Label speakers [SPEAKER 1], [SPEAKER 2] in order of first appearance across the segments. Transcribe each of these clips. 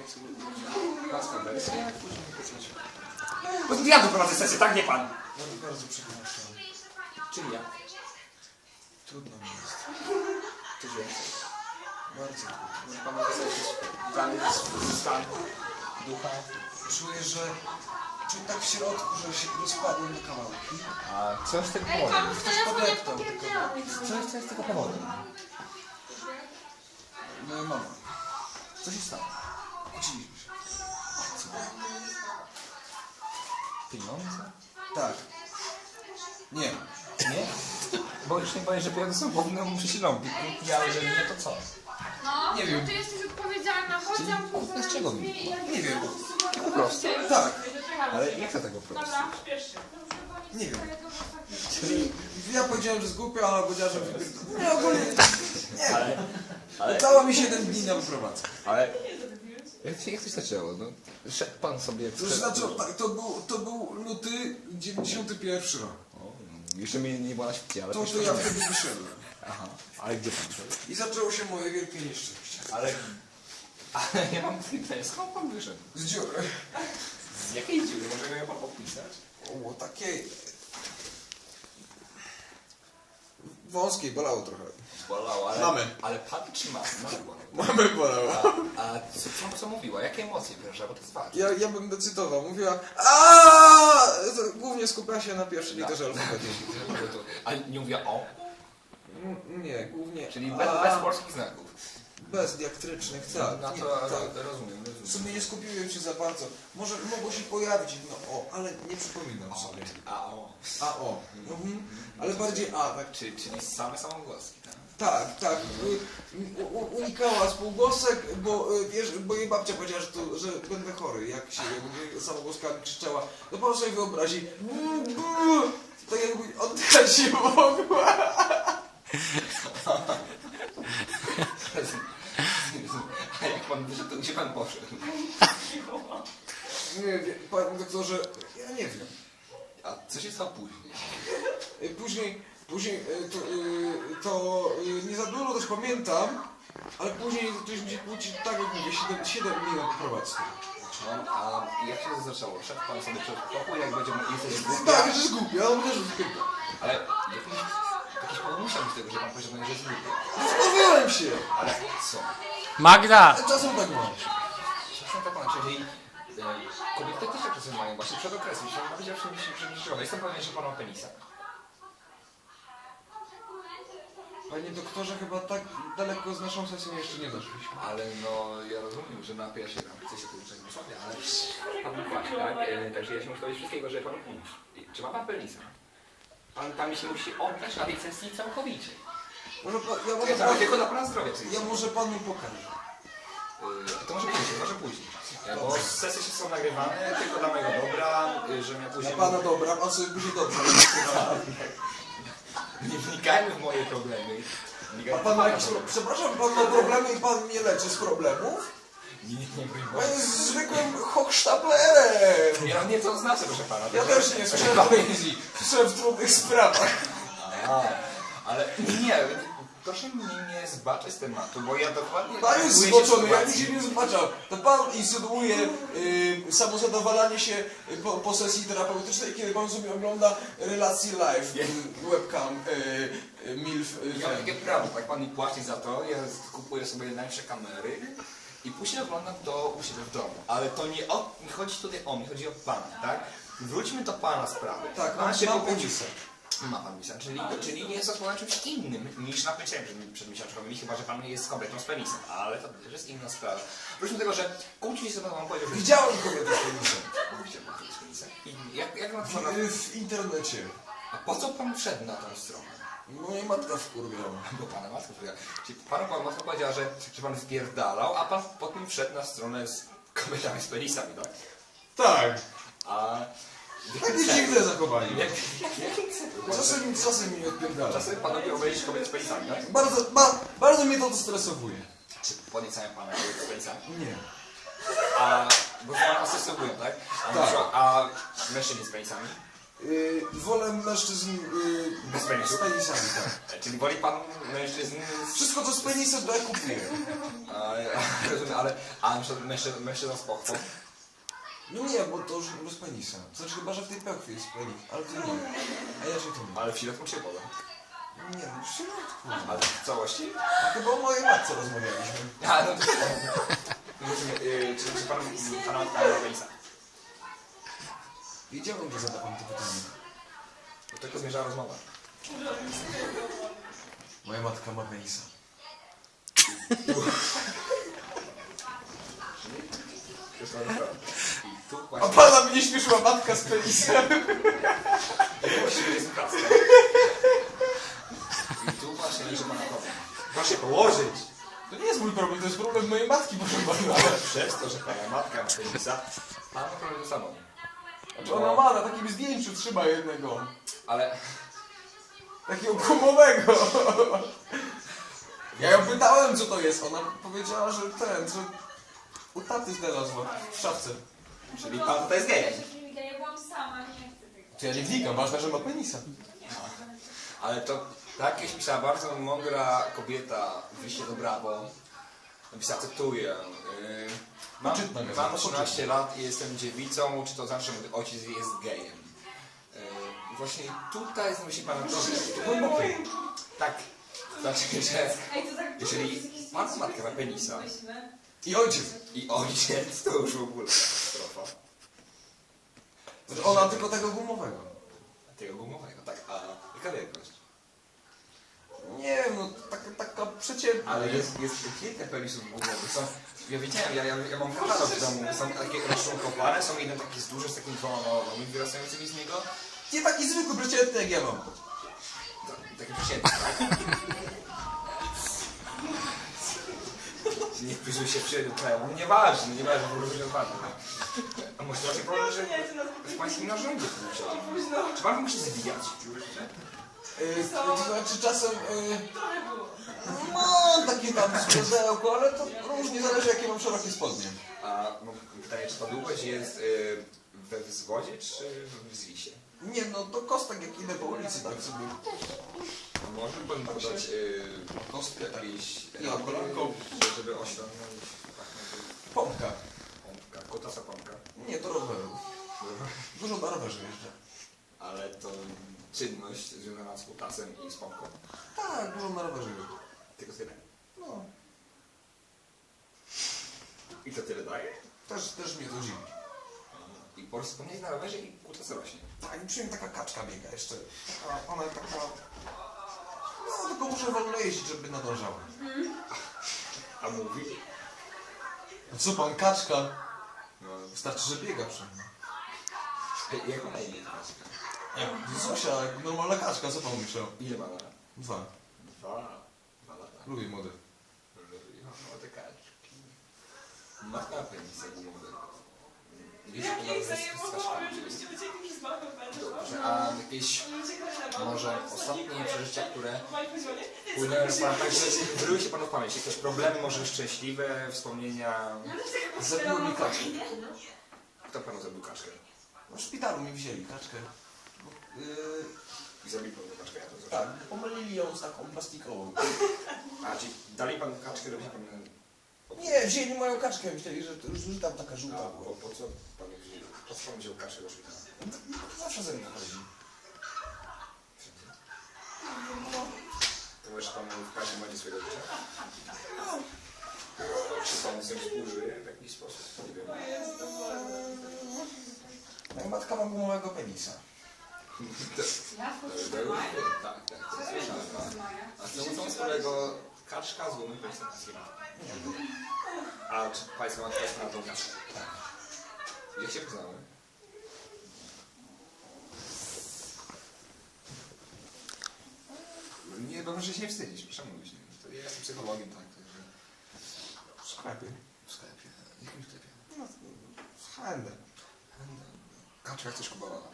[SPEAKER 1] własna wersja, jak później pisać. Bo to ja doprowadzę sesję, tak? Nie pan.
[SPEAKER 2] Bardzo przepraszam.
[SPEAKER 1] Czyli ja.
[SPEAKER 2] Trudno mi jest.
[SPEAKER 1] Coś więcej.
[SPEAKER 2] Bardzo trudno.
[SPEAKER 1] Może pan napisać dany stan ducha.
[SPEAKER 2] Czuję, że tak w środku, że się rozpadłem na kawałki.
[SPEAKER 1] A co jest tego
[SPEAKER 3] Ej,
[SPEAKER 1] powodem?
[SPEAKER 3] komuś telefon nie popierdolony.
[SPEAKER 1] Co jest tego powodem?
[SPEAKER 2] Moja mama.
[SPEAKER 1] Co się stało?
[SPEAKER 2] Kłóciliśmy się.
[SPEAKER 1] Co? Pieniądze?
[SPEAKER 2] Tak. Nie.
[SPEAKER 1] Nie? Bo już nie boję, że pieniądze są głównym przyczyną. Ja, jeżeli nie, to co?
[SPEAKER 3] No,
[SPEAKER 2] Nie wiem.
[SPEAKER 3] no ty jesteś odpowiedzialna, chodź tam
[SPEAKER 1] kupna z czego mi?
[SPEAKER 2] Nie wiem.
[SPEAKER 1] Po prostu.
[SPEAKER 2] Tak.
[SPEAKER 1] Ale jak to tego po prostu?
[SPEAKER 3] Dobra, śpiesz się.
[SPEAKER 2] Nie wiem. Ja powiedziałem, że zgłupia, a powiedziała, że wypierdolę. Nie, ogólnie. Nie.
[SPEAKER 1] Ale...
[SPEAKER 2] Udało mi 7 dni na wyprowadzkę.
[SPEAKER 1] Ale... Jak to się zaczęło? No, szedł pan sobie...
[SPEAKER 2] To znaczy, tak, to był luty 91 rok.
[SPEAKER 1] O, jeszcze mnie nie było na świecie, ale...
[SPEAKER 2] To ja wtedy wyszedłem.
[SPEAKER 1] Aha, ale gdzie pan szedł?
[SPEAKER 2] I zaczęło się moje wielkie nieszczęście.
[SPEAKER 1] Ale ja mam pytanie, skąd pan wyszedł?
[SPEAKER 2] Z dziury.
[SPEAKER 1] Z jakiej dziury? Może ją pan podpisać?
[SPEAKER 2] O, takiej... Wąskiej, bolało trochę.
[SPEAKER 1] Bolało, ale...
[SPEAKER 2] Mamy.
[SPEAKER 1] Ale pan czy ma? Bolało.
[SPEAKER 2] Mamy bolało.
[SPEAKER 1] A co mówiła? Jakie emocje wyrażała? Bo to jest ważne.
[SPEAKER 2] Ja będę cytował. Mówiła głównie skupia się na pierwszej literze alfabetu.
[SPEAKER 1] A nie mówiła o?
[SPEAKER 2] Nie, głównie...
[SPEAKER 1] Czyli bez polskich znaków.
[SPEAKER 2] Bez diaktrycznych, tak.
[SPEAKER 1] No
[SPEAKER 2] Nie,
[SPEAKER 1] to
[SPEAKER 2] tak.
[SPEAKER 1] rozumiem.
[SPEAKER 2] W sumie nie skupiłem się za bardzo. Może mogło się pojawić jedno o, ale nie przypominam sobie.
[SPEAKER 1] A o.
[SPEAKER 2] A o. Mhm. Ale bardziej a, tak.
[SPEAKER 1] Czyli same samogłoski, tak?
[SPEAKER 2] Tak. Unikała spółgłosek, bo jej babcia powiedziała, że będę chory, jak się samogłoskami krzyczała. No pan sobie wyobrazi. Tak jakby oddychać nie mogła.
[SPEAKER 1] A jak pan wyszedł, to gdzie pan poszedł?
[SPEAKER 2] Nie wiem, panie doktorze, ja nie wiem.
[SPEAKER 1] A co się stało później?
[SPEAKER 2] Później to nie za dużo też pamiętam, ale później zaczęliśmy się kłócić, tak jak mówię, 7 dni na prowadzkę.
[SPEAKER 1] A jak się to zaczęło? Szedł pan sobie przed pokój, jak będzie jesteś głupi?
[SPEAKER 2] Tak, że jest głupie, ale też wypyta.
[SPEAKER 1] Ale jakiś powód musiał być tego, że pan powiedział, że jest głupi.
[SPEAKER 2] No wkurwiłem się!
[SPEAKER 1] Ale co?
[SPEAKER 4] Magda!
[SPEAKER 2] Czasem tak mam.
[SPEAKER 1] Czasem tak pan, czyli kobiety też tak czasem mają, właśnie przed okresem, jeśli pan powiedział, że jestem pewien, że pan ma penisa.
[SPEAKER 2] Panie doktorze, chyba tak daleko z naszą sesją jeszcze nie doszliśmy.
[SPEAKER 1] Ale no, ja rozumiem, że napija się tam, chce się tu czegoś sobie, ale pan płaci, tak? Także ja się muszę dowiedzieć wszystkiego, że pan czy ma pan penisa? Pan mi się musi oddać na tej sesji całkowicie. Tylko dla pana zdrowia.
[SPEAKER 2] Ja może panu pokażę.
[SPEAKER 1] To może później. Bo sesje są nagrywane tylko dla mojego dobra, że ja później...
[SPEAKER 2] Dla pana dobra, pan sobie będzie dobrze.
[SPEAKER 1] Nie wnikajmy w moje problemy.
[SPEAKER 2] A pan ma jakieś... Przepraszam, pan ma problemy i pan mnie leczy z problemów?
[SPEAKER 1] Nie
[SPEAKER 2] Pan jest zwykłym hochsztaplerem.
[SPEAKER 1] Ja nie to znaczy, proszę pana.
[SPEAKER 2] Ja też nie słyszałem poezji. Słyszałem w trudnych sprawach.
[SPEAKER 1] Ale nie, proszę mnie nie zbaczać z tematu, bo ja dokładnie...
[SPEAKER 2] Pan jest zboczony, ja mi się nie zbaczał. To pan insynuuje samozadowalanie się po sesji terapeutycznej, kiedy pan sobie ogląda relacje live, webcam, MILF.
[SPEAKER 1] Ja mam takie prawo, tak pan mi płaci za to, ja kupuję sobie najlepsze kamery i później oglądam to u siebie w domu. Ale to nie chodzi tutaj o mnie, chodzi o pana, tak? Wróćmy do pana sprawy.
[SPEAKER 2] Tak,
[SPEAKER 1] pan się
[SPEAKER 2] mam
[SPEAKER 1] pobudził.
[SPEAKER 2] penisa.
[SPEAKER 1] Ma pan penisa, czyli nie jest to czymś innym niż napięciem przed miesiączkowymi, chyba że pan jest kobietą z penisem, ale to też jest inna sprawa. Wróćmy do tego, że kłóci się z panem powiedział, że...
[SPEAKER 2] Widziałem kobietę z penisem.
[SPEAKER 1] Widziałem kobietę z penisem. I jak na to
[SPEAKER 2] W internecie.
[SPEAKER 1] A po co pan wszedł na tą stronę?
[SPEAKER 2] Moja matka wkurwiała.
[SPEAKER 1] Bo pana matka wkurwiała. Czyli pana matka powiedziała, że pan wpierdalał, a pan potem wszedł na stronę z kobietami z penisami, tak?
[SPEAKER 2] Tak.
[SPEAKER 1] A...
[SPEAKER 2] Takie dziwne zachowanie. Czasem mi odpierdala.
[SPEAKER 1] Czasem panowie obejrzeć kobiety z penisami, tak?
[SPEAKER 2] Bardzo mnie to stresowuje.
[SPEAKER 1] Czy podniecają pana kobiety z penisami?
[SPEAKER 2] Nie.
[SPEAKER 1] A... Bo pana stresowują, tak?
[SPEAKER 2] Tak.
[SPEAKER 1] A mężczyźni z penisami?
[SPEAKER 2] Wolę mężczyzn
[SPEAKER 1] Bez penisów?
[SPEAKER 2] z penisami, tak.
[SPEAKER 1] Czyli woli pan mężczyzn
[SPEAKER 2] Wszystko co z penisem to ja kupuję.
[SPEAKER 1] rozumiem, ale mężczyzna z pochwą.
[SPEAKER 2] No nie, bo to już bez penisa. Znaczy chyba, że w tej pełkwie jest penis, ale to nie. A ja się to nie.
[SPEAKER 1] Ale w środku się poda.
[SPEAKER 2] Nie, no w środku.
[SPEAKER 1] Ale w całości?
[SPEAKER 2] Chyba o mojej matce rozmawialiśmy.
[SPEAKER 1] A, no to czy pana matka ma penisa?
[SPEAKER 2] Wiedziałem, że zada pan to pytanie.
[SPEAKER 1] Do tego zmierza rozmowa.
[SPEAKER 2] Moja matka ma penisa.
[SPEAKER 1] I tu
[SPEAKER 2] A
[SPEAKER 1] właśnie...
[SPEAKER 2] pana mnie śmieszyła matka z penisem.
[SPEAKER 1] Właściwie jest praca. I tu właśnie leży pana problem. Proszę się położyć!
[SPEAKER 2] To nie jest mój problem, to jest problem mojej matki, proszę pana.
[SPEAKER 1] Ale przez to, że pana matka ma penisa, pan ma problem ze sobą.
[SPEAKER 2] Znaczy ona ma na takim zdjęciu, trzyma jednego.
[SPEAKER 1] Ale...
[SPEAKER 2] Takiego gumowego. Ja ją pytałem, co to jest. Ona powiedziała, że że u taty znalazła w szafce.
[SPEAKER 1] Czyli pan tutaj jest gejem.
[SPEAKER 3] Ja byłam sama, nie chcę tego.
[SPEAKER 2] To ja nie wnikam, ważne, że ma penisa.
[SPEAKER 1] Ale to tak jak pisała bardzo mądra kobieta w liście do Brawo. Napisała, cytuję.
[SPEAKER 2] Poczytna gazeta,
[SPEAKER 1] Mam 13 lat i jestem dziewicą, czy to znaczy, że mój ojciec jest gejem? Właśnie tutaj myśli pan problem. Tak. Znaczy, że jeżeli pana matka ma penisa
[SPEAKER 2] I ojciec.
[SPEAKER 1] i ojciec, to już w ogóle katastrofa.
[SPEAKER 2] Znaczy ona tylko tego gumowego.
[SPEAKER 1] Tego gumowego, tak. A jaka wielkość?
[SPEAKER 2] Nie wiem, no taka przeciętna.
[SPEAKER 1] Ale jest kilka penisów gumowych. Są, ja wiedziałem, ja mam katalog w domu. Są takie rozczłonkowane, są jeden taki z duży, z takimi dwoma małymi wyrastającymi z niego.
[SPEAKER 2] Nie taki zwykły, przeciętny jak ja mam.
[SPEAKER 1] Takie przeciętne, tak? Nie wpisuj się w kraju. Nieważne, bo różnie odpadnie. A może raczej problem, że w pańskim narzędziu czy pan musi zwijać?
[SPEAKER 2] To znaczy czasem mam takie tam skrzydełko, ale to różnie zależy jakie mam szerokie spodnie.
[SPEAKER 1] A pytanie, czy ta długość jest we wzwodzie, czy w zwisie?
[SPEAKER 2] Nie no, to kostek jak idę po ulicy tak sobie.
[SPEAKER 1] Może pan podać kostkę jakiejś
[SPEAKER 2] kolanką,
[SPEAKER 1] żeby osiągnąć
[SPEAKER 2] Pompka.
[SPEAKER 1] pompka, kutasa pompka.
[SPEAKER 2] Nie, to roweru. Dużo na rowerze jeżdżę.
[SPEAKER 1] Ale to czynność związana z kutasem i z pompką.
[SPEAKER 2] Tak, dużo na rowerze jeżdżę.
[SPEAKER 1] Tylko tyle.
[SPEAKER 2] No,
[SPEAKER 1] I to tyle daje?
[SPEAKER 2] też mnie to dziwi.
[SPEAKER 1] I po prostu wspomnieć na rowerze i kutas rośnie.
[SPEAKER 2] Tak, i przy mnie taka kaczka biega jeszcze. Ona taka... No, tylko muszę wolno jeździć, żeby nadążała.
[SPEAKER 1] A mówi?
[SPEAKER 2] No co pan, kaczka?
[SPEAKER 1] No,
[SPEAKER 2] Wystarczy, że biega przy mnie.
[SPEAKER 1] jak ma na imię kaczka?
[SPEAKER 2] Zusia, jak normalna kaczka, co pan myślał?
[SPEAKER 1] Ile ma lat?
[SPEAKER 2] 2.
[SPEAKER 1] 2 lata.
[SPEAKER 2] Lubię młode.
[SPEAKER 1] Młode kaczki. Matka ma penisa gumowy.
[SPEAKER 4] Jakiej zajmowały, żebyście uciekli przez mapę,
[SPEAKER 1] Dobrze, a jakieś może ostatnie przeżycia, które płynęły na pana, także wyryły się panu w pamięć. Jakieś problemy, może szczęśliwe, wspomnienia.
[SPEAKER 2] Zabiło mi kaczkę.
[SPEAKER 1] Kto panu zabił kaczkę?
[SPEAKER 2] No, w szpitalu mi wzięli kaczkę.
[SPEAKER 1] I zabił panu kaczkę, ja to
[SPEAKER 2] Tak,
[SPEAKER 1] zrozumiałem.
[SPEAKER 2] pomylili ją z taką plastikową.
[SPEAKER 1] A, czyli dali panu kaczkę, żeby się pan...
[SPEAKER 2] Nie, wzięli moją kaczkę, myśleli, że tam taka
[SPEAKER 1] A
[SPEAKER 2] żółta była.
[SPEAKER 1] po co panu wzięli? Po co pan wziął kaczkę do szpitala?
[SPEAKER 2] Zawsze ze mną chodzi.
[SPEAKER 1] To może pan w każdym momencie swojego życia? Czy pan z nią współżyje w jakiś sposób? Nie wiem.
[SPEAKER 2] Moja matka ma gumowego penisa.
[SPEAKER 3] Ja
[SPEAKER 1] Tak. A co wspólnego kaczka z gumą penisem? A czy państwo matka jest na tą kaczkę?
[SPEAKER 2] Tak.
[SPEAKER 1] Jak się poznały? Nie, bo może się nie wstydzić, proszę mówić. To ja jestem psychologiem, tak, także...
[SPEAKER 2] W sklepie.
[SPEAKER 1] W sklepie. W jakim sklepie?
[SPEAKER 2] No, w Handel.
[SPEAKER 1] Kaczka chcesz kupowała?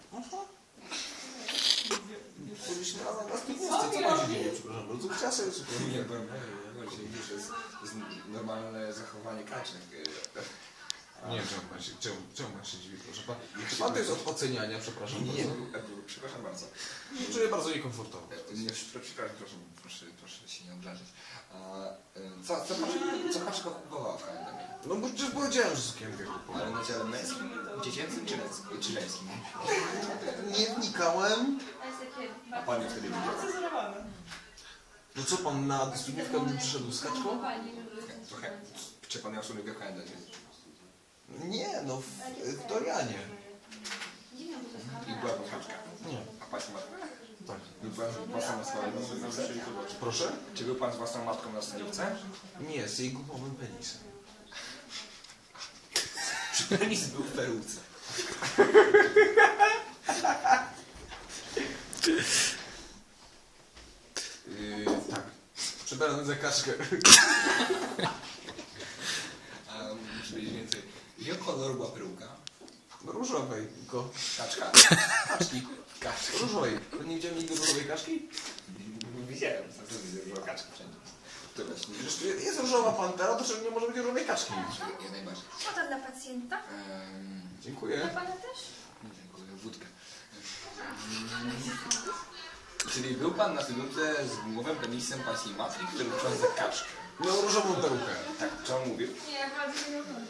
[SPEAKER 2] Byliśmy razem na studniówce, co tam się dzieje, przepraszam bardzo. Chciała sobie zupełnie.
[SPEAKER 1] Nie, bo widzisz, to jest normalne zachowanie kaczek.
[SPEAKER 2] Nie wiem, czemu pan się dziwi, proszę pan. Czy pan to jest od oceniania, przepraszam
[SPEAKER 1] Nie,
[SPEAKER 2] bardzo?
[SPEAKER 1] przepraszam bardzo.
[SPEAKER 2] Czuję bardzo niekomfortowo.
[SPEAKER 1] Nie, przepraszam, proszę się nie obrazić. Co Kaczka kupowała w H&M?
[SPEAKER 2] No bo przecież powiedziałem, że sukienkę kupowałem.
[SPEAKER 1] Ale na dziale męskim, dziecięcym czy żeńskim?
[SPEAKER 2] Nie wnikałem.
[SPEAKER 3] To jest takie
[SPEAKER 1] A pan ją wtedy widział?
[SPEAKER 4] Cenzurowane.
[SPEAKER 2] No co pan na dystrybuówkę bym przyszedł z kaczką?
[SPEAKER 1] Trochę. Czy pan miał sukienkę w H&M?
[SPEAKER 2] Nie, no w Dorianie.
[SPEAKER 1] I była pan Kaczka?
[SPEAKER 2] Nie.
[SPEAKER 1] A pani matka?
[SPEAKER 2] Tak.
[SPEAKER 1] Był pan z własną matką?
[SPEAKER 2] Proszę?
[SPEAKER 1] Czy był pan z własną matką na studniówce?
[SPEAKER 2] Nie, z jej gumowym penisem.
[SPEAKER 1] Czy penis był w peruce?
[SPEAKER 2] Tak. Przebrany za kaczkę.
[SPEAKER 1] Muszę wiedzieć więcej. Jakiego koloru była peruka?
[SPEAKER 2] Różowej, tylko.
[SPEAKER 1] Kaczka? Kaczki. Kaczki.
[SPEAKER 2] Różowej. Nie widziałem nigdy różowej kaczki?
[SPEAKER 1] Widziałem, co widzę, że była kaczka wszędzie. To właśnie.
[SPEAKER 2] Przecież jest różowa pantera, to czemu nie może być różowej kaczki?
[SPEAKER 1] Ja najbardziej.
[SPEAKER 3] Woda dla pacjenta. Dla
[SPEAKER 2] Dziękuję.
[SPEAKER 3] pana też?
[SPEAKER 1] Dziękuję, wódkę. Czyli był pan na studniówce z gumowym penisem pańskiej matki, który uczył za kaczkę.
[SPEAKER 2] Miał różową perukę.
[SPEAKER 1] Tak, co on mówił?
[SPEAKER 3] Nie, ja bardzo nie oglądać.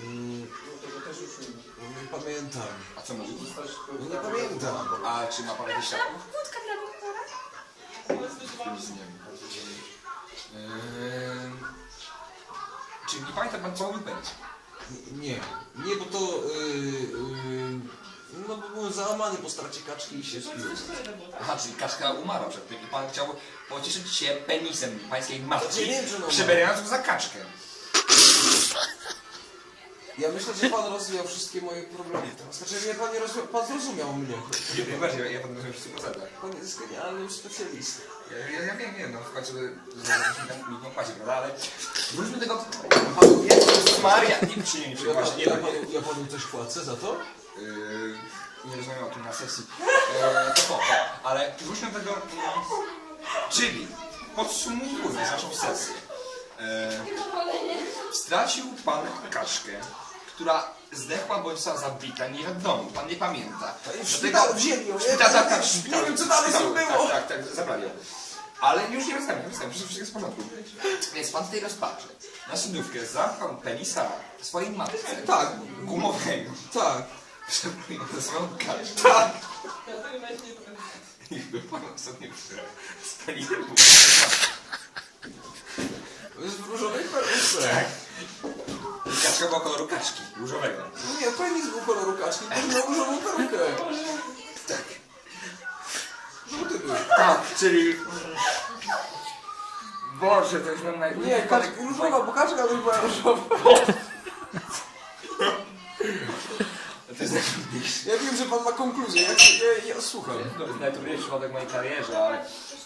[SPEAKER 2] No nie pamiętam.
[SPEAKER 1] A co mówił?
[SPEAKER 2] No nie pamiętam.
[SPEAKER 1] A czy ma pan jakieś światło?
[SPEAKER 3] Wódka dla doktora?
[SPEAKER 1] Nic nie wiem. Czy nie pamięta pan, co mówił penis?
[SPEAKER 2] Nie. Nie, bo to... no bo byłem załamany po stracie kaczki i się spiłem.
[SPEAKER 1] Aha, czyli kaczka umarła przed tym i pan chciał pocieszyć się penisem pańskiej matki,
[SPEAKER 2] Znaczy, nie wiem, czy ona
[SPEAKER 1] przebierając go za kaczkę.
[SPEAKER 2] Ja myślę, że pan rozwijał wszystkie moje problemy teraz. Znaczy, pan nie rozwijał, pan zrozumiał mnie.
[SPEAKER 1] Nie, bardziej, ja pan rozumiem w 100%.
[SPEAKER 2] Pan jest genialnym specjalistą.
[SPEAKER 1] Ja wiem, no w końcu mi pan płaci, prawda, ale wróćmy do tego...
[SPEAKER 2] Panu
[SPEAKER 1] Jezus Maria! Nie,
[SPEAKER 2] ja panu coś płacę za to?
[SPEAKER 1] Nie rozmawiam o tym na sesji. To spoko, ale wróćmy do tego... Czyli, podsumowując naszą sesję. Stracił pan kaczkę, która zdechła bądź została zabita, nie wiadomo, pan nie pamięta.
[SPEAKER 2] W szpitalu wzięli ją, nie wiem co dalej z tym było.
[SPEAKER 1] Tak, zabrali ją. Ale już nie rozmawiam, wszystko jest w porządku. Więc pan w tej rozpaczy na studniówkę zapchał penisa swojej matce.
[SPEAKER 2] Tak.
[SPEAKER 1] Gumowego.
[SPEAKER 2] Tak.
[SPEAKER 1] Przebrał ją za swoją kaczkę.
[SPEAKER 2] Tak.
[SPEAKER 4] Dlatego nawet nie pamiętam.
[SPEAKER 1] I był pan ostatnio z penisem.
[SPEAKER 2] To jest w różowej peruce.
[SPEAKER 1] Kaczka była koloru kaczki, różowego.
[SPEAKER 2] Nie, penis był koloru kaczki, tylko miał różową perukę.
[SPEAKER 1] Tak.
[SPEAKER 2] Żółty był.
[SPEAKER 1] Tak, czyli... Boże, to już mam
[SPEAKER 2] Nie, kaczka różowa, bo kaczka też była różowa.
[SPEAKER 1] To jest najtrudniejszy.
[SPEAKER 2] Ja wiem, że pan ma konkluzję, ja słucham.
[SPEAKER 1] To jest najtrudniejszy przypadek w mojej karierze, ale...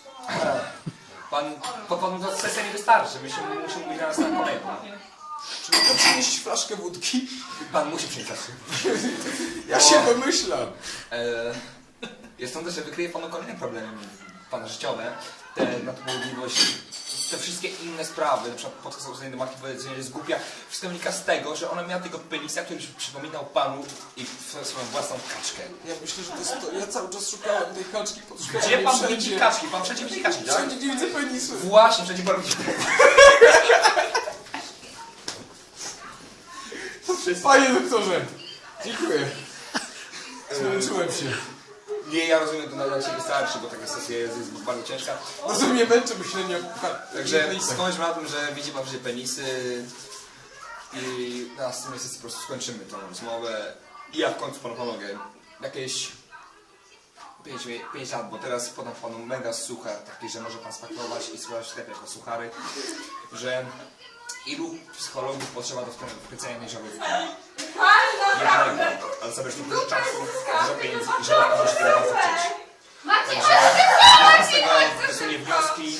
[SPEAKER 1] Panu to sesja nie wystarczy, musimy mówić na nas na kolejną.
[SPEAKER 2] Czy mogę przynieść flaszkę wódki?
[SPEAKER 1] Pan musi przyjść.
[SPEAKER 2] Ja się domyślam.
[SPEAKER 1] Jest sądzę, że wykryje panu kolejne problemy pana życiowe, te nadpobudliwość, te wszystkie inne sprawy, na przykład podchodzenie do matki, powiedzenie, że jest głupia, wszystko wynika z tego, że ona miała tego penisa, który przypominał panu i swoją własną kaczkę.
[SPEAKER 2] Ja myślę, że to jest to. Ja cały czas szukałem tej kaczki pod szkołą.
[SPEAKER 1] Gdzie pan widzi kaczki? Pan wszędzie widzi kaczki, tak?
[SPEAKER 2] Wszędzie nie widzę penisu.
[SPEAKER 1] Właśnie, wszędzie pan widzi.
[SPEAKER 2] Panie doktorze, dziękuję. Zmęczyłem się.
[SPEAKER 1] Nie, ja rozumiem, to na ciebie wystarczy, bo taka sesja jest bardzo ciężka.
[SPEAKER 2] Bardzo mnie męczy myślenie o
[SPEAKER 1] Także
[SPEAKER 2] penisach.
[SPEAKER 1] skończmy na tym, że widzi pan wszędzie penisy i na następnej sesji po prostu skończymy tą rozmowę i ja w końcu panu pomogę. Jakieś 5 lat, bo teraz podam panu mega suchar, taki, że może pan spakować i sprzedać w sklepie jako suchary, że ilu psychologów potrzeba do wkręcenia mniejszowych jednego, ale zabierz to dużo czasu, dużo pieniędzy i że może się tego bardzo chcieć. Także z tego wysunie wnioski.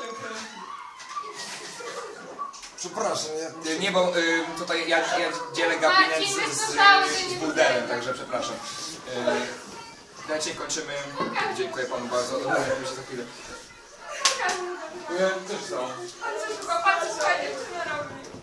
[SPEAKER 2] Przepraszam,
[SPEAKER 1] Nie, bo tutaj ja dzielę gabinet z burdelem, także przepraszam. Na dzisiaj kończymy. Dziękuję panu bardzo. Widzimy się za chwilę.
[SPEAKER 2] ja też za.
[SPEAKER 3] Ale co, patrzcie, słuchajcie, co robi.